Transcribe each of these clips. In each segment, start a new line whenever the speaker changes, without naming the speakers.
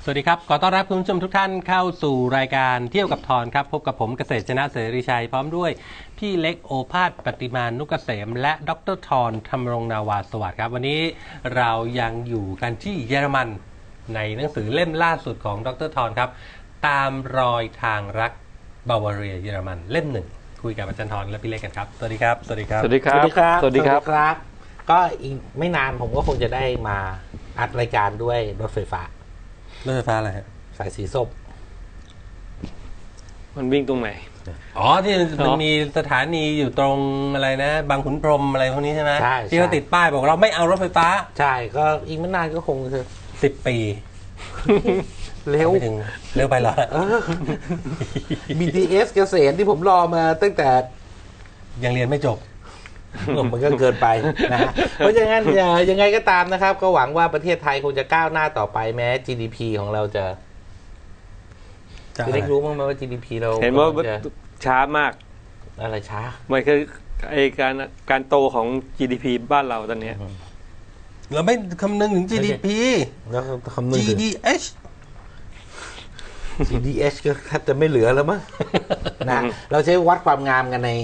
สวัสดีครับขอต้อนรับคุณผู้ชมทุกท่านเข้าสู่รายการเที่ยวกับทอนครับพบกับผมเกษตรชนะเสรีชัยพร้อมด้วยพี่เล็กโอภาสปฏิมานุกเกษมและดรทอนธรรมรงนาวาสวัสดิ์ครับวันนี้เรายังอยู่กันที่เยอรมันในหนังสือเล่มล่าสุดของดรทอนครับตามรอยทางรักบาวาเรียเยอรมันเล่มหนึ่งคุยกับอาจารย์ทอนและพี่เล็กกันครับสวัสดีครับสวัสดีครับ
สวัสดีครับ
สวัสดีครับก็อีกไม่นานผมก็คงจะได้มาอัดรายการด้วยรถไฟฟ้าร
ถไฟฟ้าอะไรฮะ
สายสีส้ม
มันวิ่งตรงไหน
อ๋อที่มันมีสถานีอยู่ตรงอะไรนะบางขุนพรหมอะไรพวกนี้ใช่ไหม
ใช่
ที่เขาติดป้ายบอกเราไม่เอารถไฟฟ้า
ใช่ก็อีกไม่นานก็คงจะ
10 ปี
เร็ว
ไม่ถึงเร็วไปเหรอ
BTS เกษตรที่ผมรอมาตั้งแต่
ยังเรียนไม่จบ
มันก็เกินไปนะฮะเพราะฉะนั้นยังไงก็ตามนะครับ ก็หวังว่าประเทศไทยคงจะก้าวหน้าต่อไปแม้ GDP ของเราจะได้รู้มั้งไหมว่า GDP เรา
เห็นว่า
จะ
ช้ามาก
อะไรช้า
มันคือไอการโตของ GDP บ้านเราตอนเนี้ย
เราไม่คำนึงถึง GDP
แล้วคำนึงถึง
GDH
GDH ก็แทบจะไม่เหลือแล้วมั้งนะเราใช้วัดความงามกันใน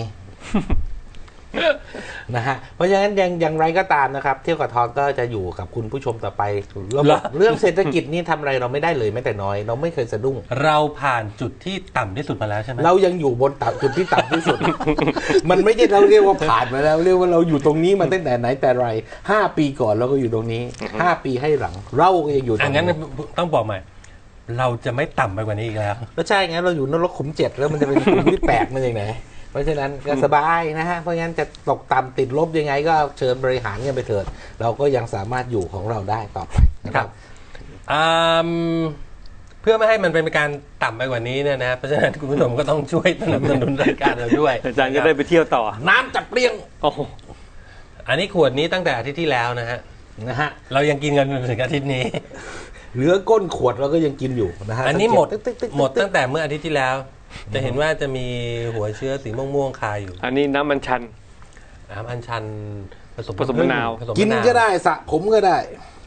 นะฮะเพราะฉะนั้นอย่างไรก็ตามนะครับเที่ยวกับทอนก็จะอยู่กับคุณผู้ชมต่อไปเรื่องเศรษฐกิจนี่ทำอะไรเราไม่ได้เลยแม้แต่น้อยเราไม่เคยสะดุ้ง
เราผ่านจุดที่ต่ำที่สุดมาแล้วใช่ไหม
เรายังอยู่บนจุดที่ต่ำที่สุด มันไม่ใช่เราเรียกว่าผ่านมาแล้วเรียกว่าเราอยู่ตรงนี้มาตั้งแต่ไหนแต่ไร5 ปีก่อนเราก็อยู่ตรงนี้5 ปีให้หลังเราก็ยังอยู่ตรง
งั้น
นี้
ต้องบอกใหม่เราจะไม่ต่ำไปกว่านี้อีกแล้ว
ก็ใช่งั้นเราอยู่นรกขุม7แล้วมันจะเป็นขุมที่แปลกมันอย่างไหนเพราะฉะนั้นก็สบายนะฮะเพราะงั้นจะตกต่ำติดลบยังไงก็เชิญบริหารกันไปเถิดเราก็ยังสามารถอยู่ของเราได้ต่อไปนะครับ
เพื่อไม่ให้มันเป็นการต่ำไปกว่านี้เนี่ยนะเพราะฉะนั้นคุณผู้ชมก็ต้องช่วยสนับสนุนรายการเราด้วย
อาจารย์จะได้ไปเที่ยวต่อ
น้ำจับเปรี้ยง
โอ้โห
อันนี้ขวดนี้ตั้งแต่อาทิตย์ที่แล้วนะฮะ
นะฮะ
เรายังกินกันจนถึงอาทิตย์นี้
เหลือก้นขวดเราก็ยังกินอยู่นะฮะ
อันนี้หมด
ตึ๊กๆๆๆ
หมดตั้งแต่เมื่ออาทิตย์ที่แล้ว จะเห็นว่าจะมีหัวเชื้อสีม่วงๆคาอยู่
อันนี้น้ำมันชัน
น้ำอัญชันผสม
ผสมมะนาว
ผสม
กิน
มะาว
ก็ได้สระผมก็ได้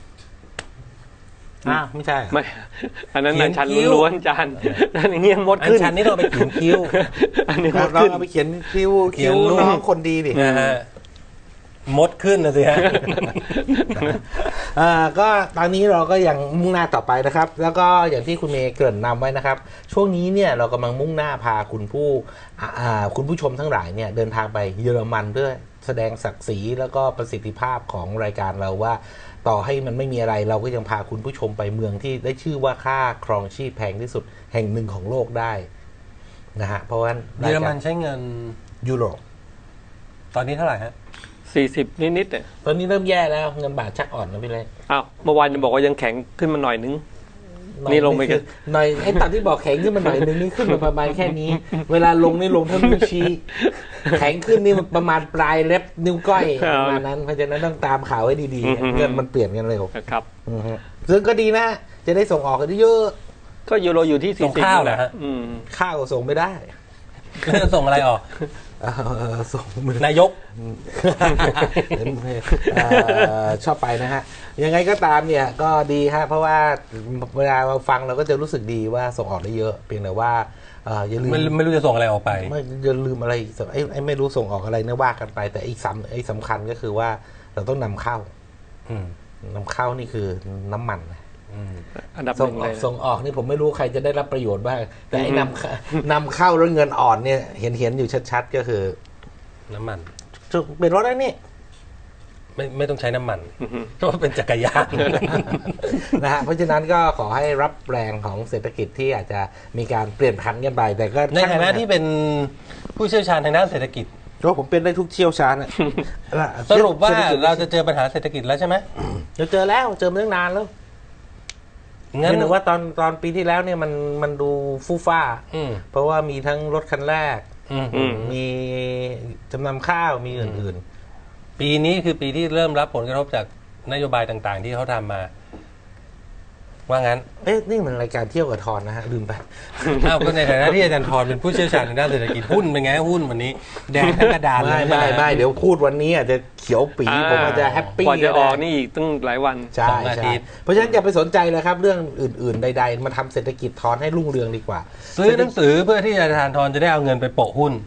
ไม่ใช่
ไม่ อันนั้นอันชันล้วนๆอาจารย์อันอย่างเงี้ยมด
อัญ
ขึ้น
ชันนี่เราไปเขียนคิ้ว
อันนี้มด
เรา
ขึ้น
เอาไปเขียนคิ้ว
เขียนรูป
น้องคนดีดิ
นะฮะมดขึ้นนะสิฮะ
ก็ตอนนี้เราก็ยังมุ่งหน้าต่อไปนะครับ แล้วก็อย่างที่คุณเมย์เกริ่นนำไว้นะครับ ช่วงนี้เนี่ยเรากำลังมุ่งหน้าพาคุณผู้ชมทั้งหลายเนี่ยเดินทางไปเยอรมันเพื่อแสดงศักดิ์ศรีแล้วก็ประสิทธิภาพของรายการเราว่าต่อให้มันไม่มีอะไรเราก็ยังพาคุณผู้ชมไปเมืองที่ได้ชื่อว่าค่าครองชีพแพงที่สุดแห่งหนึ่งของโลกได้นะฮะเพราะว่า
เยอรมันใช้เงิน
ยูโร
ตอนนี้เท่าไหร่ฮะ
40 นิดๆเนี่ย
ตอนนี้เริ่มแย่แล้วเงินบาทชักอ่อนนะพี่เล็ก
อ้าวเมื่อวานจะบอกว่ายังแข็งขึ้นมาหน่อยนึง นี่ลงไปกัน
หน่อยไอ้ตัดที่บอกแข็งขึ้นมาหน่อยนึงนี่ขึ้นมาประมาณแค่นี้ เวลาลงนี่ลงเท่านิ้วชี้แข็งขึ้นนี่ประมาณปลายเล็บนิ้วก้อยประมาณนั้นเพราะฉะนั้นต้องตามข่าวให้ดีๆเงินมันเปลี่ยนกันเร็ว
ครับ
ซึ่งก็ดีนะจะได้ส่งออกกันเยอะ
ก็ยูโรอยู่ที่
ส่ง
40
ข้าว
แหละ
เหรอฮะ
ข้าวส่งไม่ได้
แล้วจะส่งอะไรออก
ส่งมือ
นายก
ชอบไปนะฮะยังไงก็ตามเนี่ยก็ดีฮะเพราะว่าเวลาเราฟังเราก็จะรู้สึกดีว่าส่งออกได้เยอะเพียงแต่ว่าอย่าลืม
ไม่รู้จะส่งอะไรออกไป
ไม่อย่าลืมอะไรอีกไอ้ไม่รู้ส่งออกอะไรเนี่ยว่ากันไป แต่ไอ้สำคัญก็คือว่าเราต้องนำเข้า นำเข้านี่คือน้ำมัน
อันดับห
ส่ง
นึ่ง
อ
เล
อก
ย
ส่งออกนี่ผมไม่รู้ใครจะได้รับประโยชน์บ้างแต่ไอ้นำเข้าแล้วเงินอ่อนเนี่ยเห็นอยู่ชัดๆก็คือ
น้ำมัน
เป็นรถแล้วนี่
ไม่ต้องใช้น้ำมันเพราะว่าเป็นจักรยาน
นะฮะเพราะฉะนั้นก็ขอให้รับแรงของเศรษฐกิจที่อาจจะมีการเปลี่ยนผันกันไปแต่ก็
ในฐานะที่เป็นผู้เชี่ยวชาญทางด้านเศรษฐกิจ
ก็ผมเป็นได้ทุกเชี่ยวชาญ
สรุปว่าเราจะเจอปัญหาเศรษฐกิจแล้วใช่ไหม
เราเจอแล้วเจอมาตั้งนานแล้ว
งั้น
เห็นว่าตอนปีที่แล้วเนี่ยมันดูฟู่ฟ้า เพราะว่ามีทั้งรถคันแรก มีจำนำข้าวมีอื่น
ปีนี้คือปีที่เริ่มรับผลกระทบจากนโยบายต่างๆ ที่เขาทำมา ผว่างั้น
นี่มันรายการเที่ยวกับทอนนะฮะลืมไป
อ้าวก็ในฐานะที่อาจารย์ทรเป็นผู้เชี่ยวชาญทางด้านเศรษฐกิจหุ้นเป็นไงหุ้นวันนี้แดงทั้งกระดานเลย
ไม่เดี๋ยวพูดวันนี้อาจจะเขียวปีผมอาจจะแฮปปี้
กว่าจะออกนี่อีกตั้งหลายวัน
ใช่ใช่เพราะฉะนั้นอย่าไปสนใจเลยครับเรื่องอื่นๆใดๆมาทำเศรษฐกิจทอนให้รุ่งเรืองดีกว่า
ซื้อหนังสือเพื่อที่อาจารย์ทรจะได้เอาเงินไปโปะหุ้น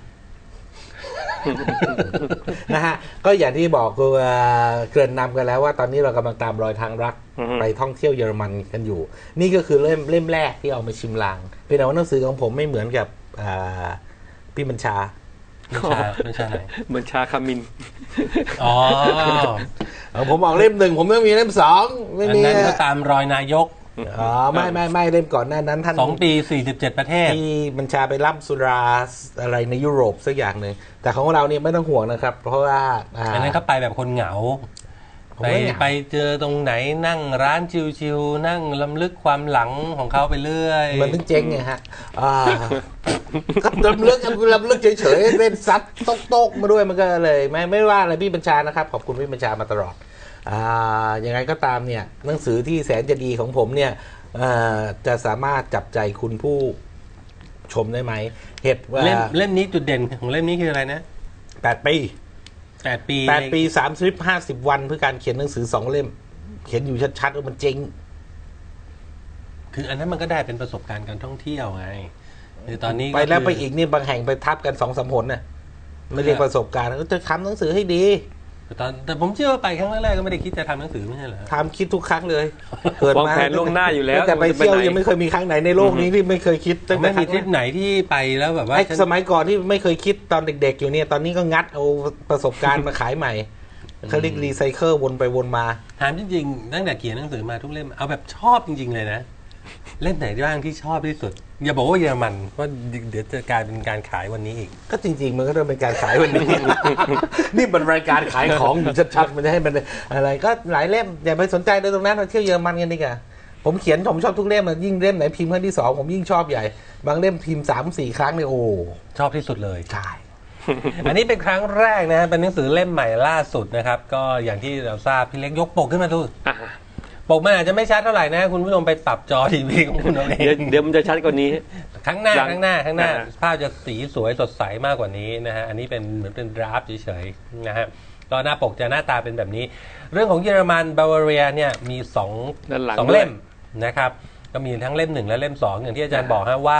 นะฮะก็อย่างที่บอกคือเกริ่นนำกันแล้วว่าตอนนี้เรากำลังตามรอยทางรัก
อือฮึ
ไปท่องเที่ยวเยอรมันกันอยู่ นี่ก็คือเล่มแรกที่เอามาชิมลางเป็นแต่ว่าหนังสือของผมไม่เหมือนกับพี่บัญชา
ไม่ใช่ไหน
เหมือนชาคามิน
อ๋อ
ผมออกเล่ม 1ผมต้องมีเล่ม 2ไม่
อัน
มี
นั้นก็ตามรอยนายก
อ๋อไม่เล่มก่อนหน้านั้นท่าน
2 ปี 47 ประเทศ
ที่บัญชาไปรับสุราอะไรในยุโรปสักอย่างหนึ่งแต่ของเราเนี่ยไม่ต้องห่วงนะครับ เพราะว่า
อันนั้นเขาไปแบบคนเหงา
ผม
ไป
ไม่เหงา
ไปเจอตรงไหนนั่งร้านชิวๆนั่งลำลึกความหลังของเขาไปเรื่อย
มันต้องเจ๊งไงฮะก็ลำลึกเฉยๆเล่นซัดโต๊กมาด้วยมันก็เลยไม่ว่าอะไรพี่บัญชานะครับขอบคุณพี่บัญชามาตลอดยังไงก็ตามเนี่ยหนังสือที่แสนจะดีของผมเนี่ยจะสามารถจับใจคุณผู้ชมได้ไหมเหตุว่า
เล่มนี้จุดเด่นของเล่มนี้คืออะไรนะ
8 ปี
8 ปี
8 ปี30-50 วันเพื่อการเขียนหนังสือ2 เล่ม เขียนอยู่ชัดๆว่ามันเจ๊ง
คืออันนั้นมันก็ได้เป็นประสบการณ์การท่องเที่ยวไงคือตอนนี้
ไปแล้ว
คือ
ไปอีกนี่บางแห่งไปทับกัน2-3 หนน่ะไม่เรียกประสบการณ์ก็จะทำหนังสือให้ดี
แต่ผมเชื่อว่าไปครั้งแรกๆก็ไม่ได้คิดจะทำหนังสือไม่ใช่เหรอ
ทำคิดทุกครั้งเลยเกิด
วาง
มา
แผนล่วงหน้าอยู่แล้ว
แต่ไปเที่ยว
จะไปไหน
ยังไม่เคยมีครั้งไหนในโลกนี้ที่ไม่เคยคิดตั้งแต่
ไม่มีทริปไหนที่ไปแล้วแบบว่า
ไอ้สมัยก่อนที่ไม่เคยคิดตอนเด็กๆอยู่เนี่ยตอนนี้ก็งัดเอาประสบการณ์มาขายใหม่เขาเรียกรีไซเคิลวนไปวนมา
ถามจริงๆตั้งแต่เขียนหนังสือมาทุกเล่มเอาแบบชอบจริงๆเลยนะเล่มไหนบ้างที่ชอบที่สุดอย่าบอกว่าเยอรมันว่าเดี๋ยวจะกลายเป็นการขายวันนี้อีก
ก็จริงๆมันก็ต้องเป็นการขายวันนี้ นี่มันรายการขายของอยู่ชัดๆมันจะให้มันอะไรก็หลายเล่มอย่าไปสนใจเลยตรงนั้นเราเที่ยวเยอรมันกันดีกว่าผมเขียนผมชอบทุกเล่มยิ่งเล่มไหนพิมพ์ครั้งที่ 2ผมยิ่งชอบใหญ่บางเล่มพิมพ์ 3-4 ครั้งเนี่ยโอ้
ชอบที่สุดเลย
ใช่
อันนี้เป็นครั้งแรกนะเป็นหนังสือเล่มใหม่ล่าสุดนะครับก็อย่างที่เราทราบพี่เล็กยกปกขึ้นมาดู
อ่ะ
ปกมันอาจจะไม่ชัดเท่าไหร่นะคุณผู้ชมไปปรับจอทีวีของคุณเอาเอง
เดี๋ยวมันจะชัดกว่านี้
ข้างหน้า
หลัง
ข้างหน้า
นะฮะ
ภาพจะสีสวยสดใสมากกว่านี้นะฮะอันนี้เป็นเหมือนเป็นดราฟต์เฉยๆนะฮะก็หน้าปกจะหน้าตาเป็นแบบนี้ เรื่องของเยอรมันบาวาเรียเนี่ยมีสอง
ด้านหลัง
เล่มนะครับก็มีทั้งเล่ม 1 และเล่ม 2 อย่างที่อาจารย์บอกฮะว่า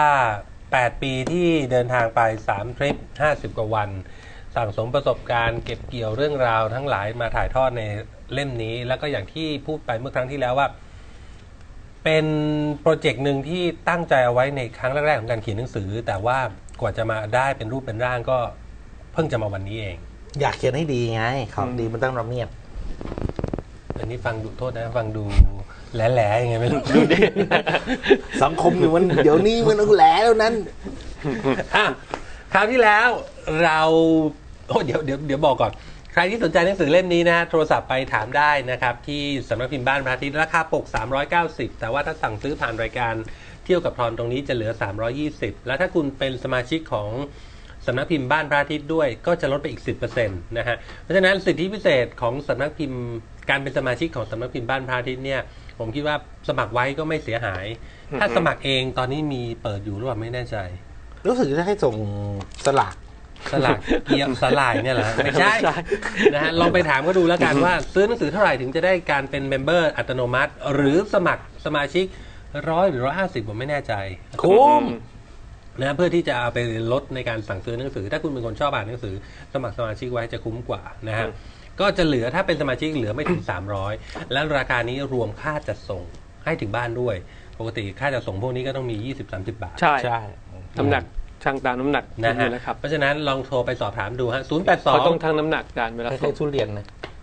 8 ปีที่เดินทางไป 3 ทริป 50 กว่าวัน สั่งสมประสบการณ์เก็บเกี่ยวเรื่องราวทั้งหลายมาถ่ายทอดในเล่มนี้ แล้วก็อย่างที่พูดไปเมื่อครั้งที่แล้วว่า เป็นโปรเจกต์หนึ่งที่ตั้งใจเอาไว้ในครั้งแรกๆของการเขียนหนังสือ แต่ว่ากว่าจะมาได้เป็นรูปเป็นร่างก็เพิ่งจะมาวันนี้เอง
อยากเขียนให้ดีไงของดีมันต้องระเบียบ
อันนี้ฟังดูโทษนะฟังดูแหล่ๆยังไงไม่รู้
สังคมอยู่มันเดี๋ยวนี้มันต้องแหลแล้วนั้น
อ่ะคราวที่แล้วเราเดี๋ยวบอกก่อน ใครที่สนใจหนังสือเล่มนี้นะโทรศัพท์ไปถามได้นะครับที่สำนักพิมพ์บ้านพระอาทิตย์ราคาปก390แต่ว่าถ้าสั่งซื้อผ่านรายการเที่ยวกับทอนตรงนี้จะเหลือ320แล้วถ้าคุณเป็นสมาชิกของสำนักพิมพ์บ้านพระอาทิตย์ด้วยก็จะลดไปอีก 10% นะฮะเพราะฉะนั้นสิทธิพิเศษของสำนักพิมพ์การเป็นสมาชิกของสำนักพิมพ์บ้านพระอาทิตย์เนี่ยผมคิดว่าสมัครไว้ก็ไม่เสียหาย ถ้าสมัครเองตอนนี้มีเปิดอยู่หรือเปล่าไม่แน่ใจ
รู้สึกจะให้ส่งสลาก
สลักเกียร์สลายเนี่ยเหรอไม่ใช่นะฮะลองไปถามก็ดูแล้วกันว่าซื้อหนังสือเท่าไหร่ถึงจะได้การเป็นเมมเบอร์อัตโนมัติ หรือสมัครสมาชิก100 หรือ 150ผมไม่แน่ใจ
คุ้ม
นะเพื่อที่จะเอาไปลดในการสั่งซื้อหนังสือถ้าคุณเป็นคนชอบอ่านหนังสือสมัครสมาชิกไว้จะคุ้มกว่านะฮะก็จะเหลือถ้าเป็นสมาชิกเหลือไม่ถึง300แล้วราคานี้รวมค่าจัดส่งให้ถึงบ้านด้วยปกติค่าจัดส่งพวกนี้ก็ต้องมี 20-30 บาท
ใช่
ใช่
น้ำหนักช่างตามน้ำหนัก
นะฮะ
นะครับ
เพราะฉะนั้นลองโทรไปสอบถามดูฮะ
เขาต้อง
082
ทั้งน้ำหนักการเวลา
ค
ส่
ล้าง ยๆทุเรียนนะ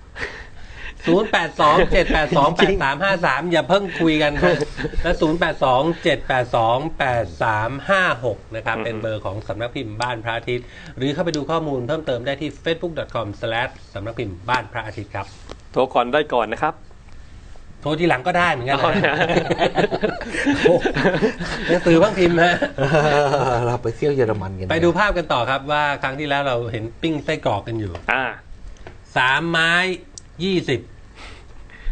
082-782-8353 อย่าเพิ่งคุยกันครับและ 082-782-8356 นะครับ เป็นเบอร์ของสำนักพิมพ์บ้านพระอาทิตย์ หรือเข้าไปดูข้อมูลเพิ่มเติมได้ที่ facebook.com/ สำนักพิมพ์บ้านพระอาทิตย์ครับ
โทรก่อนได้ก่อนนะครับ
โทรทีหลังก็ได้เหมือนกัน
อ๋อ
นะ
เนี่ย
โอ้หนังสือบ้างพิมพ์ฮะ
เราไปเที่ยวเยอรมันกัน
ไปดูภาพกันต่อครับว่าครั้งที่แล้วเราเห็นปิ้งไส้กรอกกันอยู่
อ่า
3 ไม้ 20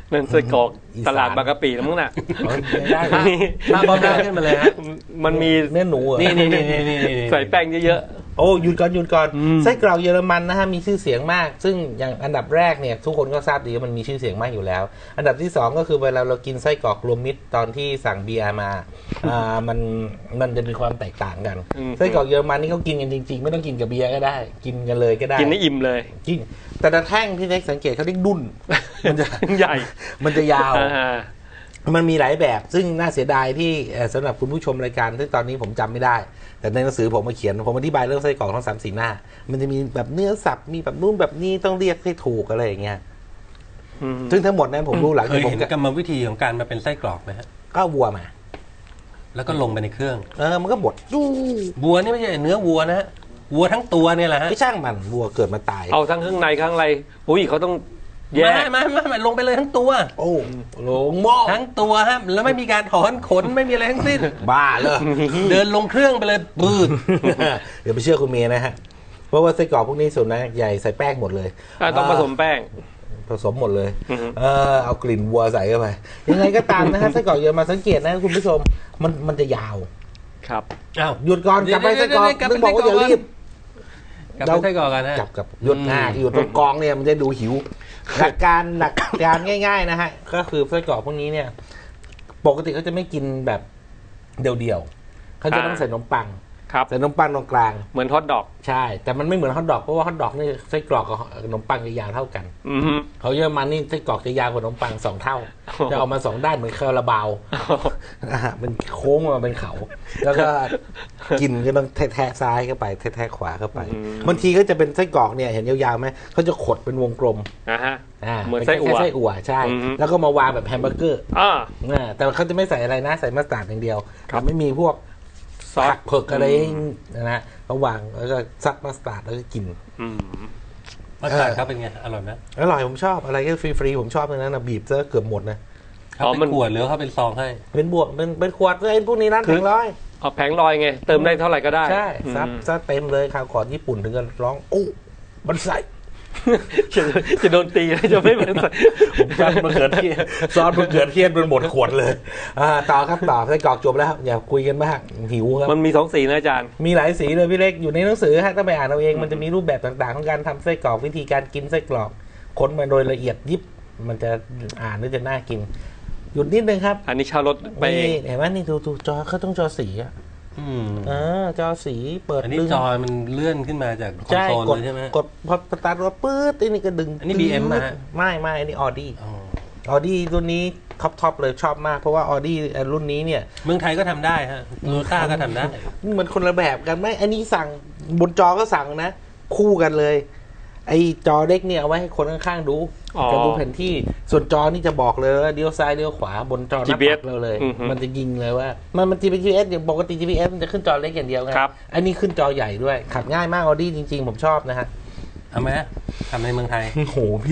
นั่นไส้กรอก
อีสาน
ตลาดบางกะปินะมั้งน่ะ
ไม่ได้นะ
ภาพบอมได้ขึ้นมาเลยฮะ
มันมี
เนื้อหนูเหรอ
นี่
ใส่แป้งเยอะ
โอ้หยุดก่อน
อืม
ไส้กรอกเยอรมันนะฮะมีชื่อเสียงมาก ซึ่งอย่างอันดับแรกเนี่ยทุกคนก็ทราบดีว่ามันมีชื่อเสียงมากอยู่แล้ว อันดับที่สองก็คือเวลาเรากินไส้กรอกรวมมิตรตอนที่สั่งเบียร์มามันจะมีความแตกต่างกัน ไส้กรอกเยอรมันนี่เขากินกันจริงๆไม่ต้องกินกับเบียร์ก็ได้ กินกันเลยก็ได้
ๆ กินได้อิ่มเลย
กินแต่ละแท่งพี่เล็กสังเกตเขาเรียกดุ้นมันจะ
ใหญ่
มันจะยาว
อ่า
มันมีหลายแบบ ซึ่งน่าเสียดายที่สำหรับคุณผู้ชมรายการที่ตอนนี้ผมจำไม่ได้ แต่ในหนังสือผมมาเขียน ผมอธิบายเรื่องไส้กรอกทั้ง3-4 หน้า มันจะมีแบบเนื้อสับ มีแบบนู่นแบบนี้ต้องเรียกให้ถูกอะไรอย่างเงี้ย ซึ่งทั้งหมดนั้นผมรู้หลัง
เค
จาก
ย
ผม
เห็นกรรมวิธีของการมาเป็นไส้กรอกไหมฮะ
ก็วัวมา
แล้วก็ลงไปในเครื่อง
มันก็บดจู้
วัวนี่ไม่ใช่เนื้อวัวนะฮะวัวทั้งตัวเนี่ยแหละฮะ
ไม่ช่างมันวัวเกิดมาตาย
เอาทั้งข้างในข้างในอุ้ยเขาต้องแยก
ไม่ลงไปเลยทั้งตัว
โอ้โหลงหม้อ
ทั้งตัวฮะแล้วไม่มีการถอนขนไม่มีอะไรทั้งสิ้น
บ้าเลย
เดินลงเครื่องไปเลยปืด
เดี๋ยวไปเชื่อคุณเมย์นะฮะ เพราะว่าไส้กรอกพวกนี้ส่วนใหญ่ใส่แป้งหมดเลย
ต้องผสมแป้ง
ผสมหมดเลย
อือฮึ
เอากลิ่นวัวใส่เข้าไป ยังไงก็ตามนะฮะ ไส้กรอกเยอรมันสังเกตนะคุณผู้ชม มันจะยาว
ครับ
อ้าว
หยุดก่อนกลับไปไส้กรอก
เดี๋ยว
นึกบอกว่าอย่ารีบ
กลับไปไส้กรอกกันนะ
กับหยุดหน้าที่อยู่ตรงกองเนี่ยมันจะดูหิว หลักการง่ายๆนะฮะ ก็คือไส้กรอกพวกนี้เนี่ย ปกติเขาจะไม่กินแบบเดี่ยวๆเขาจะต้องใส่ขนมปัง
ครับ
ใส่ขนมปังตรงกลาง
เหมือนฮอทดอก
ใช่ แต่มันไม่เหมือนฮอทดอกเพราะว่าฮอทดอกนี่ไส้กรอกกับขนมปังจะยาวเท่ากัน
อือฮึ
เขาเยอรมันนี่ไส้กรอกจะยาวกว่าขนมปัง2 เท่า จะออกมา2 ด้านเหมือนคาราบาวนะฮะมันโค้งมาเป็นเขา แล้วก็กินก็ต้องแทะซ้ายเข้าไปแทะขวาเข้าไปบางทีก็จะเป็นไส้กรอกเนี่ยเห็นยาวๆไหมเขาจะขดเป็นวงกลม
ฮะ
อ่า
เหมือนไส้อั่ว
ป็นแค่ไส้อั่วใช่
อือฮึ
แล้วก็มาวางแบบแฮมเบอร์เกอร์
อ่า
แต่เขาจะไม่ใส่อะไรนะใส่มัสตาร์ดอย่างเดียว
ครับ
ไม่มีพวก
ซอส
ผักเผือกอะไรนะฮะเขาวางแล้วก็ซัดมัสตาร์ดแล้วก็กิน
อืม
มัสตาร์ดเขาเป็นไงอร่อยไหม
อร่อยผมชอบอะไรก็ฟรีๆผมชอบเลยนะบีบซะเกือบหมดนะ
เขาเป็นขวดหรือเขาเป็นซองให้
เป็นบวกเป็นขวดไอ้พวกนี้ร้าน
คื
แผ
อ
งร้อย
เอาแผงลอยไง เติมได้เท่าไหร่ก็ได้
ใช่
อืม
ซัดเต็มเลยข่าวก่อนญี่ปุ่นถึงกันร้องอู้มันใส่
จะโดนตีแล้วจะไม่เหมือน
ผมซอสมะเขือเทศซอสมะเขือเทศเป็นหมดขวดเลยต่อครับต่อไส้กรอกจบแล้วอย่าคุยกันมากหิวครับ
มันมี2 สีนะอาจารย์
มีหลายสีเลยพี่เล็กอยู่ในหนังสือฮะต้องไปอ่านเอาเองมันจะมีรูปแบบต่างๆของการทำไส้กรอกวิธีการกินไส้กรอกค้นมาโดยละเอียดยิบมันจะอ่านแล้วจะน่ากิน หยุดนิดนึงครับ
อันนี้เช่ารถไปเอง
นี่เห็นไหมนี่ดูจอเขาต้องจอสีอ่ะ
อืม
จอสีเปิด
อันนี้
ดึง
จอยมันเลื่อนขึ้นมาจากคอน
ใช่
โซล
กด
เลยใช่ไหม
กดพอสตาร์ทรถปื๊ดไอ้นี่ก็ดึง
อันนี้ BM มาฮะ
ไม่อันนี้ออดี้
อ๋อ
ออดี้รุ่นนี้ท็อปเลยชอบมากเพราะว่าออดี้รุ่นนี้เนี่ย
เมืองไทยก็ทำได้ฮะโตโยต้าก็ทำได้
มันคนละแบบกันไหมอันนี้สั่งบนจอก็สั่งนะ คู่กันเลย ไอ้จอเล็กเนี่ยเอาไว้ให้คนข้างๆดู
อ๋อ
จะดูแผนที่ส่วนจอนี่จะบอกเลยว่าเลี้ยวซ้ายเลี้ยวขวาบนจอหน้า
GPS
ปัดเราเลย
อือฮึ
มันจะยิงเลยว่า มัน GPS อย่างปกติ GPS มันจะขึ้นจอเล็กอย่างเดียวไง
ครับ
อันนี้ขึ้นจอใหญ่ด้วย ขับง่ายมากออดี้จริงๆ ผมชอบนะฮะ
เอาไหมทำในเมืองไทย
โอ้โหพี่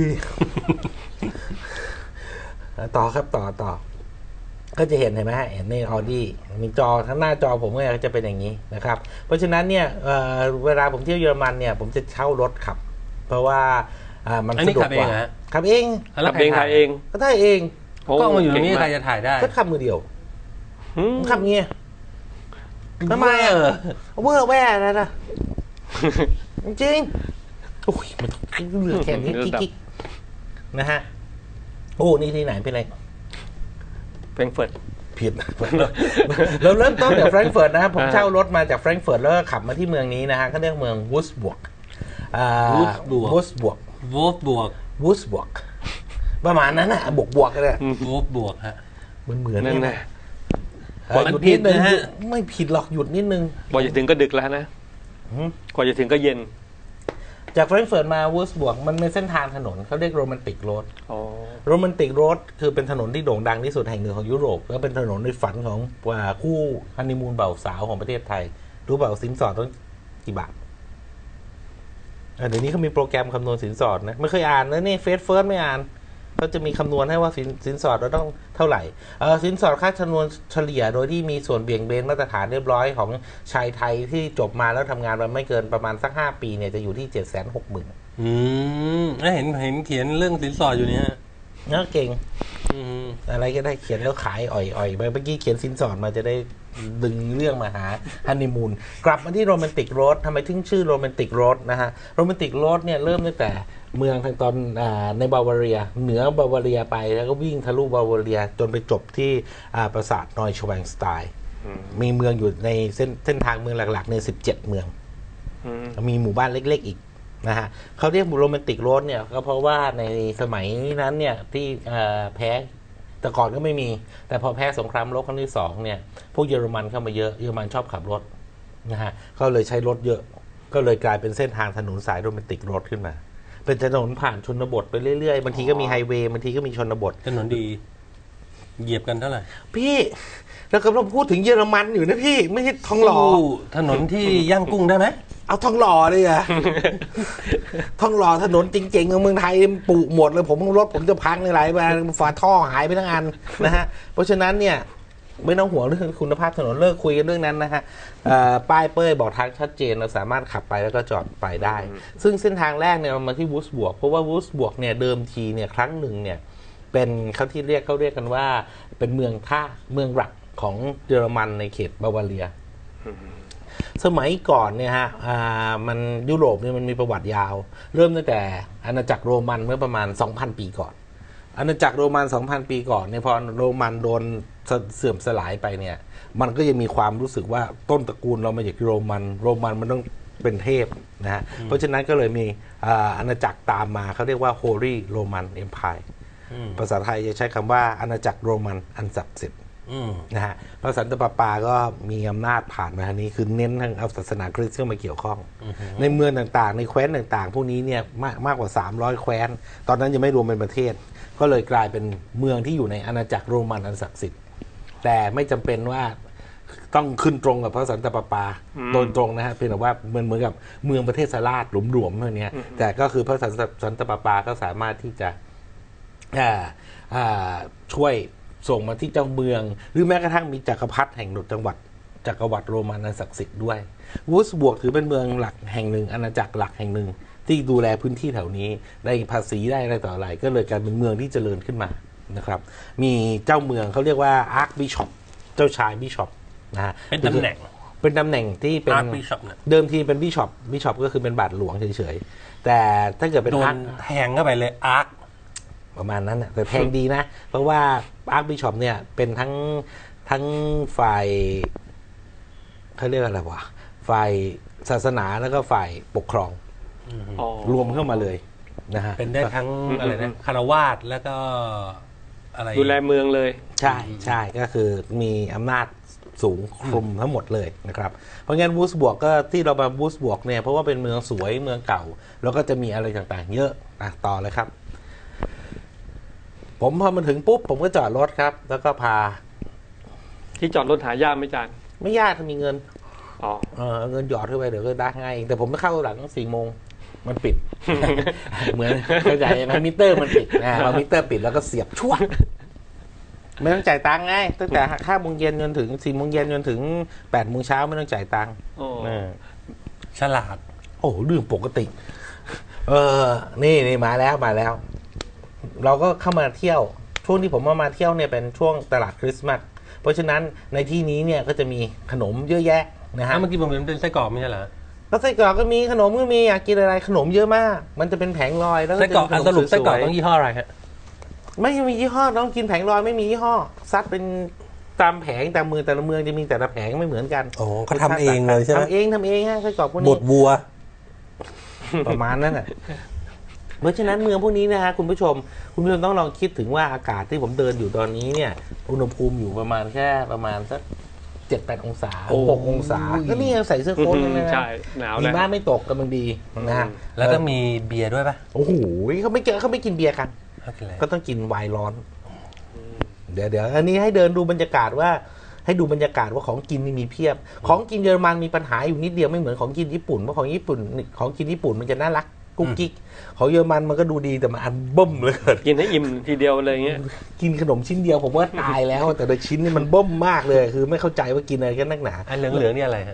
ต่อครับต่อ ก็จะเห็นไหมฮะเห็นในออดี้มีจอข้างหน้าจอผมเนี่ยก็จะเป็นอย่างนี้นะครับ เพราะฉะนั้นเนี่ยเวลาผมเที่ยวเยอรมันเนี่ย ผมจะเช่ารถขับ เพราะว่ามัน
อันนี้
สะดวก
ขับเอก ง
ว่า
เหรอฮะ
ขับเอง
แล้ว
ขับเองถ่ายเอง
ก็ได้เอง
โอ้
กล้องมาอยู่ตรงนี้
เก่
ใคร
มาก
จะถ่ายได้
ก็ขับมือเดียว
อืม
ผมขับเงี้ยทำไมอ่ะเวอร์แว่แล้วนะจริงๆโอ้ยมันต้องเหลือแค่นี้กิ๊กๆนะฮะโอ้นี่ที่ไหนเป็นไร
แฟรงก์เฟิร์ต
ผิด เราเริ่มต้นจากแฟรงก์เฟิร์ตนะครับผมเช่ารถมาจากแฟรงก์เฟิร์ตแล้วก็ขับมาที่เมืองนี้นะฮะเขาเรียกเมืองวูสบวกวูสบวก
วูฟบวก
วูสบวกประมาณนั้นนะบวกกันเลย
วูฟบวกฮะ
เหมือน
นั่น
เนี่ย
นะ
หยุดนิดนึง
มันผิดนะฮะ
ไม่ผิดหรอกหยุดนิดนึง
กว่าจะถึงก็ดึกแล้วนะ
หืม
กว่าจะถึงก็เย็น
จากแฟรงก์เฟิร์ตมาวูสบวกมันเป็นเส้นทางถนนเขาเรียกโรแมนติกโรด
อ๋อ
โรแมนติกโรดคือเป็นถนนที่โด่งดังที่สุดแห่งหนึ่งของยุโรปแล้วเป็นถนนในฝันของคู่ฮันนีมูนเบ่าวสาวของประเทศไทย รู้เปล่าสินสอดต้องกี่บาทเดี๋ยวนี้เขามีโปรแกรมคำนวณสินสอดนะไม่เคยอ่านนะนี่เฟสเฟิร์สไม่อ่านเขาจะมีคำนวณให้ว่าสินสอดเราต้องเท่าไหร่สินสอดค่าคำนวณเฉลี่ยโดยที่มีส่วนเบี่ยงเบนมาตรฐานเรียบร้อยของชายไทยที่จบมาแล้วทำงานมาไม่เกินประมาณสัก5 ปีเนี่ยจะอยู่ที่760,000
แล้วเห็นเขียนเรื่องสินสอดอยู่เนี่ยฮะ
น่าเก่ง
อืม
อะไรก็ได้เขียนแล้วขายอ่อยๆไปเมื่อกี้เขียนสินสอดมาจะได้ดึงเรื่องมาหาฮันนีมูนกลับมาที่โรแมนติกโรดทำไมถึงชื่อโรแมนติกโรดนะฮะโรแมนติกโรดเนี่ยเริ่มตั้งแต่เมืองทางตอนในบาวาเรียเหนือบาวาเรียไปแล้วก็วิ่งทะลุบาวาเรียจนไปจบที่ปราสาทนอยชแวงสไตน์มีเมืองอยู่ในเส้นทางเมืองหลักๆใน17เมืองมีหมู่บ้านเล็กๆอีกนะฮะเขาเรียกโรแมนติกโรดเนี่ยก็เพราะว่าในสมัยนั้นเนี่ยที่แพ้แต่ก่อนก็ไม่มีแต่พอแพ้สงครามโลกครั้งที่2เนี่ยพวกเยอรมันเข้ามาเยอะเยอรมันชอบขับรถนะฮะก็เลยใช้รถเยอะก็เลยกลายเป็นเส้นทางถนนสายโรแมนติกโรดขึ้นมาเป็นถนนผ่านชนบทไปเรื่อยๆบางทีก็มีไฮเวย์บางทีก็มีชนบท
ถนนดีเหยียบกันเท่าไหร่
พี่เรากำลังพูดถึงเยอรมันอยู่นะพี่ไม่ใช่ทองหล่อ
ถนนที่ย่างกุ้งได้ไหม
เอาทองหล่อเลยอะ ทองหล่อถนนจริงๆของเมืองไทยปุหมดเลยผมรถผมจะพังหลายๆฝาท่อหายไปทั้งอันนะฮะเพราะฉะนั้นเนี่ยไม่ต้องห่วงเรื่องคุณภาพถนนเลิกคุยกันเรื่องนั้นนะฮะป้ายเป้ยบอกทางชัดเจนเราสามารถขับไปแล้วก็จอดไปได้ ซึ่งเส้นทางแรกเนี่ยมาที่วูสบวกเพราะว่าวูสบวกเนี่ยเดิมทีเนี่ยครั้งหนึ่งเนี่ยเป็นเขาเรียกกันว่าเป็นเมืองท่าเมืองหลักของเยอรมันในเขตบาวาเรียสมัยก่อนเนี่ยฮะมันยุโรปเนี่ยมันมีประวัติยาวเริ่มตั้งแต่อาณาจักรโรมันเมื่อประมาณ 2,000 ปีก่อนอาณาจักรโรมัน 2,000 ปีก่อนเนี่ยพอโรมันโดนเสื่อมสลายไปเนี่ยมันก็ยังมีความรู้สึกว่าต้นตระกูลเรามาจากโรมันมันต้องเป็นเทพนะฮะเพราะฉะนั้นก็เลยมีอาณาจักรตามมาเขาเรียกว่า Holy Roman Empire ภาษาไทยจะใช้คำว่าอาณาจักรโรมันอันศักดิ์สิทธิ์นะฮะพระสันตะปาปาก็มีอำนาจผ่านมาทางนี้คือเน้นทางเอาศาสนาคริสต์เข้ามาเกี่ยวข้องในเมืองต่างๆในแคว้นต่างๆพวกนี้เนี่ยมากกว่า300แคว้นตอนนั้นยังไม่รวมเป็นประเทศก็เลยกลายเป็นเมืองที่อยู่ในอาณาจักรโรมันอันศักดิ์สิทธิ์แต่ไม่จำเป็นว่าต้องขึ้นตรงกับพระสันตะปาปาโดยตรงนะฮะเพียงแต่ว่าเหมือนกับเมืองประเทศสลาดหลวมๆเท่านี้แต่ก็คือพระสันตะปาปาก็สามารถที่จะช่วยส่งมาที่เจ้าเมืองหรือแม้กระทั่งมีจักรพรรดิแห่งจักรวรรดิโรมันอันศักดิ์สิทธิ์ด้วยวูสบวกถือเป็นเมืองหลักแห่งหนึ่งอาณาจักรหลักแห่งหนึ่งที่ดูแลพื้นที่แถวนี้ได้ภาษีได้อะไรต่ออะไรก็เลยกลายเป็นเมืองที่เจริญขึ้นมานะครับมีเจ้าเมืองเขาเรียกว่าอาร์คบิชอปเจ้าชายบิชอปนะฮะ
เป็นตำแหน่ง
ที่เป็นเดิมทีเป็นบิชอปก็คือเป็นบาทหลวงเฉยๆแต่ถ้าเกิดเป็นอาร์ค
แทงเข้าไปเลยอาร์ค
ประมาณนั้นแต่แพงดีนะเพราะว่าอาร์คบิชอปเนี่ยเป็นทั้งฝ่ายเขาเรียกอะไรวะฝ่ายศาสนาแล้วก็ฝ่ายปกครองรวมเข้ามาเลยนะฮะ
เป็นได้ทั้งอะไรนะคารวาสแล้วก็อะไร
ดูแลเมืองเลย
ใช่ก็คือมีอำนาจสูงคลุมทั้งหมดเลยนะครับเพราะงั้นวูสบวกก็ที่เรามาวูสบวกเนี่ยเพราะว่าเป็นเมืองสวยเมืองเก่าแล้วก็จะมีอะไรต่างๆเยอะต่อเลยครับผมพอมาถึงปุ๊บผมก็จอดรถครับแล้วก็พา
ที่จอดรถหายากไหมจาน
ไม่ยากถ้ามีเงินเงินหยอดเข้าไปเดี๋ยวก็ได้ง่ายแต่ผมไม่เข้าหลัง4 โมงมันปิด เหมือนเข้าใจไหมมิเตอร์มันปิดพอมิเตอร์ปิดแล้วก็เสียบชั่วไม่ต้องจ่ายตังค์ไงตั้งแต่5 โมงเย็นจนถึง4 โมงเย็นจนถึง8 โมงเช้าไม่ต้องจ่ายตังค์
ฉลาด
โอ้เรื่องปกตินี่มาแล้วเราก็เข้ามาเที่ยวช่วงที่ผมมาเที่ยวเนี่ยเป็นช่วงตลาดคริสต์มาสเพราะฉะนั้นในที่นี้เนี่ยก็จะมีขนมเยอะแยะนะฮะ
เมื่อกี้ผมเห็นเป็นไส้กรอกไม่ใช่เหรอ
แล้วไส้กรอกก็มีขนมก็มีอยากกินอะไรขนมเยอะมากมันจะเป็นแผงลอยแล้ว
ไส้กรอกสรุปไส้กรอกต้องยี่ห้ออะไรฮะ
ไม่มียี่ห้อต้องกินแผงลอยไม่มียี่ห้อซัดเป็นตามแผงตามเมืองแต่ละเมืองจะมีแต่ละแผงไม่เหมือนกัน
โอ้เขาทำเองเลยใช่ไหม
ทำเองฮะไส้กรอกพวกนี้
บดวัว
ประมาณนั้นแหละเพราะฉะนั้นเมืองพวกนี้นะฮะคุณผู้ชมต้องลองคิดถึงว่าอากาศที่ผมเดินอยู่ตอนนี้เนี่ยอุณหภูมิอยู่ประมาณสัก7-8 องศา6 องศาก็นี่ยังใส่เสื้อโค้ทเลยนะ
ใช่หนาว
ดีมากไม่ตกกำลังดีนะฮะ
แล้วต้องมีเบียร์ด้วยป่ะ
โอ้โหเขาไม่กินเบียร์กันก็ต้องกินไวน์ร้อนเดี๋ยวอันนี้ให้เดินดูบรรยากาศว่าของกินนี่มีเพียบของกินเยอรมันมีปัญหาอยู่นิดเดียวไม่เหมือนของกินญี่ปุ่นเพราะของกินญี่ปุ่นมันจะน่ารักกุ๊กกิ๊กของเยอรมันมันก็ดูดีแต่มันอันเบิ่มเลย
กินให้อิ่มทีเดียวเลยเงี้ย
กินขนมชิ้นเดียวผมว่าตายแล้วแต่โดยชิ้นนี่มันเบิ่มมากเลยคือไม่เข้าใจว่ากินอะไรกันนักหนา
อันเหลืองๆนี่อะไรฮะ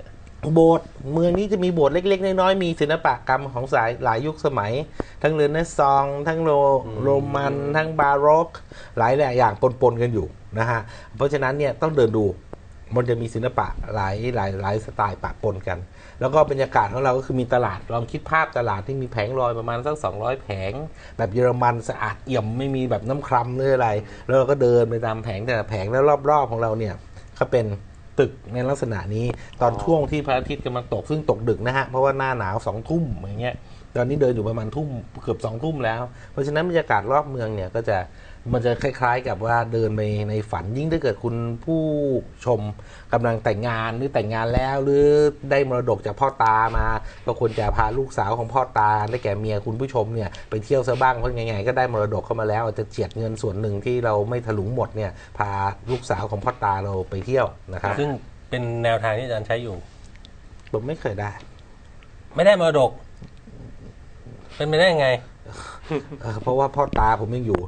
โบสถ์เมืองนี้จะมีโบสถ์เล็กๆน้อยๆมีศิลปกรรมของสายหลายยุคสมัย ทั้งเรเนซองส์ทั้งโรมันทั้งบาโรกหลายอย่างปนๆกันอยู่นะฮะเพราะฉะนั้นเนี่ยต้องเดินดูมันจะมีศิลปะหลายสไตล์ปะปนกัน แล้วก็บรรยากาศของเราก็คือมีตลาดลองคิดภาพตลาดที่มีแผงลอยประมาณสัก200แผงแบบเยอรมันสะอาดเอี่ยมไม่มีแบบน้ำครัมหรืออะไรแล้วเราก็เดินไปตามแผงแต่ละแผงแล้วรอบๆของเราเนี่ยก็เป็นตึกในลักษณะนี้ตอนช่วงที่พระอาทิตย์กำลังตกซึ่งตกดึกนะฮะเพราะว่าหน้าหนาว2 ทุ่มอย่างเงี้ยตอนนี้เดินอยู่ประมาณทุ่มเกือบ2 ทุ่มแล้วเพราะฉะนั้นบรรยากาศรอบเมืองเนี่ยก็จะมันจะคล้ายๆกับว่าเดินไปในฝันยิ่งถ้าเกิดคุณผู้ชมกำลังแต่งงานหรือแต่งงานแล้วหรือได้มรดกจากพ่อตามาก็ควรจะพาลูกสาวของพ่อตาได้แก่เมียคุณผู้ชมเนี่ยไปเที่ยวซะบ้างเพราะไงๆก็ได้มรดกเข้ามาแล้วอาจจะเจียดเงินส่วนหนึ่งที่เราไม่ถลุงหมดเนี่ยพาลูกสาวของพ่อตาเราไปเที่ยวนะครับ
ซึ่งเป็นแนวทางที่อาจารย์ใช้อยู่
ผมไม่เคยได้
ไม่ได้มรดก เป็นไปได้ยังไง
เพราะว่าพ่อตาผมยังอยู่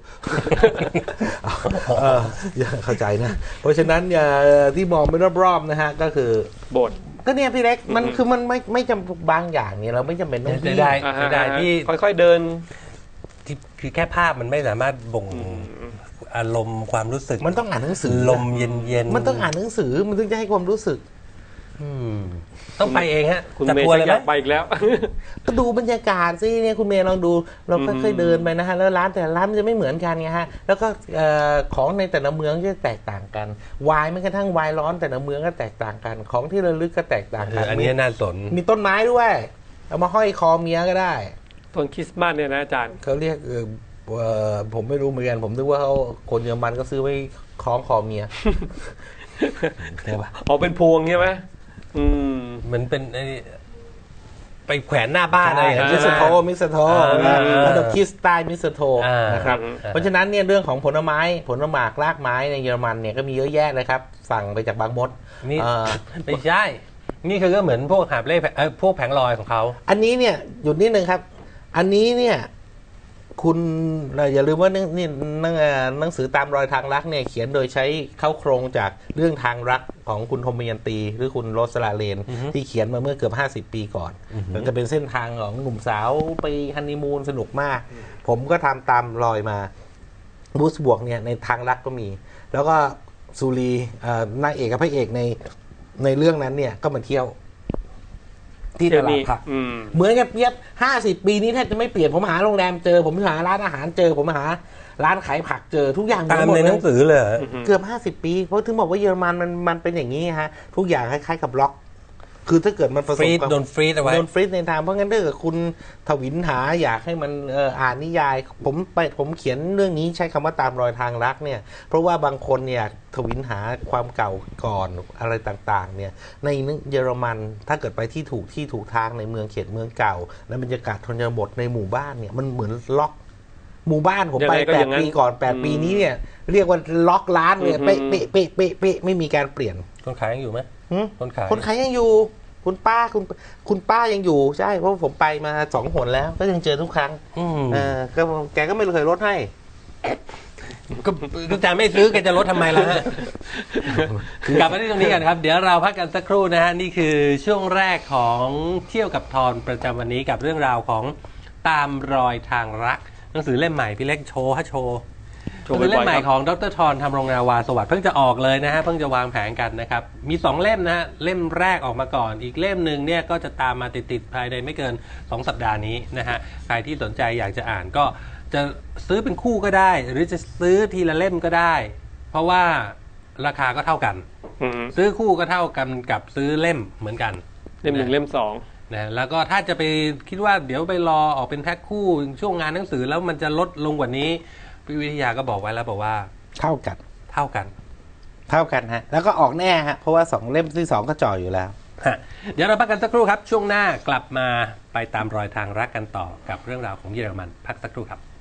เข้าใจนะ เพราะฉะนั้นที่มองไปรอบๆนะฮะก็คือ
โบสถ์
ก็เนี่ยพี่เล็กมันคือมันไม่จำบางอย่างเนี่ยเราไม่จำเป็นต้อง
เสียดาย เสีดายที่
ค่อยๆเดิน
ที่คือแค่ภาพมันไม่สามารถบ่งอารมณ์ความรู้สึก
มันต้องอ่านหนังสือ
ลมเย็นๆ
มันต้องอ่านหนังสือมันถึงจะให้ความรู้สึก
ต้องไปเองฮะ
คุณ
จัด
เมย์
ทัวร์
จะ
เลย
อ
ไหม
ยากไปอีกแล้ว
ก็ดูบรรยากาศสิเนี่ยคุณเมย์ลองดูเราค่อยๆเดินไปนะฮะแล้วร้านแต่ละร้านมันจะไม่เหมือนกันไงฮะแล้วก็ของในแต่ละเมืองจะแตกต่างกันไวน์แม้กระทั่งไวน์ร้อนแต่ละเมืองก็แตกต่างกันของที่ระลึกก็แตกต่างกัน
อันนี้น่าสน
มีต้นไม้ด้วยเอามาห้อยคอเมียก็ได้
ต้นคริสต์มาสเนี่ยนะอาจารย์
เขาเรียกผมไม่รู้เหมือนกันผมนึกว่าเขาคนเยอรมันก็ซื้อไว้คล้องคอเมีย
ใช่ปะ
อ๋อเป็นพวงใช่ไหม
เหมือนเป็นไอ้ไปแขวนหน้าบ้านอะไรอย่าง
มิ
เงี้ย
ส
ใช่ไหม
มิสโท
อ่า
แล้วดอกคิสไตล์มิสโท
อ่าน
นะครับ
อ่า
เพราะฉะนั้นเนี่ยเรื่องของผลไม้ผลหมากรากไม้ในเยอรมันเนี่ยก็มีเยอะแยะเลยครับสั่งไปจากบางมด
นี่
เอ่อ
ไม่ใช่ นี่คือก็เหมือนพวกหาบเล่พวกแผงลอยของเขา
อันนี้เนี่ยหยุดนิดนึงครับ อันนี้เนี่ยคุณอย่าลืมว่านี่หนังสือตามรอยทางรักเนี่ยเขียนโดยใช้เข้าโครงจากเรื่องทางรักของคุณธมยันตีหรือคุณโรสลาเลน ที่เขียนมาเมื่อเกือบ50 ปีก่อนมันจะเป็นเส้นทางของหนุ่มสาวไปฮันนีมูนสนุกมาก ผมก็ทำตามรอยมาบูสบวกเนี่ยในทางรักก็มี แล้วก็ซูรีนางเอกกับพระเอกในเรื่องนั้นเนี่ยก็มาเที่ยวที่ตลาดผักเหมือนกับเย็บ50 ปีนี้แทบจะไม่เปลี่ยนผมหาโรงแรมเจอผมหาร้านอาหารเจอผมหาร้านขายผักเจอทุกอย่าง
ตาม
หมด
ใน
เล
หนั
ย
งสือเลยเหรอ
เกือบ50 ปีเพราะถึงบอกว่าเยอรมันมันเป็นอย่างนี้ฮะทุกอย่างคล้ายๆกับล็อก คือถ้าเกิดมันผส
ฟรี
ม
ด
กับ
โดนฟรีดเอาไว้
โดนฟรีซในทางเพราะงั้นถ้าเกิดคุณทวินหาอยากให้มันอ่านนิยายผมเขียนเรื่องนี้ใช้คำว่าตามรอยทางรักเนี่ยเพราะว่าบางคนเนี่ยทวินหาความเก่าก่อนอะไรต่างๆเนี่ยในเยอรมันถ้าเกิดไปที่ถูกทางในเมืองเขตเมืองเก่าและบรรยากาศชนบทในหมู่บ้านเนี่ยมันเหมือนล็อกหมู่บ้านผมไป
ยังไงก็อย่างนั้น
8 ปีก่อน8 ปีนี้เนี่ยเรียกว่าล็อกร้านเลยเป๊ะไม่มีการเปลี่ยน
คนขายยังอยู่ไหม
หึ
คนขาย
ยังอยู่คุณป้ายังอยู่ใช่เพราะผมไปมา2 หนแล้วก็ยังเจอทุกครั้งก็แกก็ไม่เคยลดให้
ก็อาจารย์ไม่ซื้อแกจะลดทำไมล่ะฮะ กลับมาที่ตรงนี้กันครับ เดี๋ยวเราพักกันสักครู่นะฮะนี่คือช่วงแรกของเที่ยวกับทอนประจำวันนี้กับเรื่องราวของตามรอยทางรักหนังสือเล่มใหม่พี่เล็กโชว์ฮะโชว์คือเล่มใหม่ของดร.ทรธรรมรงนาวาสวัสดิ์เพิ่งจะออกเลยนะฮะเพิ่งจะวางแผนกันนะครับมี2 เล่มนะฮะเล่มแรกออกมาก่อนอีกเล่มหนึ่งเนี่ยก็จะตามมาติดภายในไม่เกิน2 สัปดาห์นี้นะฮะใครที่สนใจอยากจะอ่านก็จะซื้อเป็นคู่ก็ได้ หรือจะซื้อทีละเล่มก็ได้ เพราะว่าราคาก็เท่ากันซื้อคู่ก็เท่ากันกับซื้อเล่มเหมือนกัน
เล่ม 1เล่ม 2
นะแล้วก็ถ้าจะไปคิดว่าเดี๋ยวไปรอออกเป็นแพ็คคู่ช่วงงานหนังสือแล้วมันจะลดลงกว่านี้พี่วิทยาก็บอกไว้แล้วบอกว่า
เท่ากันฮะแล้วก็ออกแน่ฮะเพราะว่า2 เล่มที่ 2ก็จ่ออยู่แล้ว
เดี๋ยวเราพักกันสักครู่ครับช่วงหน้ากลับมาไปตามรอยทางรักกันต่อกับเรื่องราวของเยอรมันพักสักครู่ครับ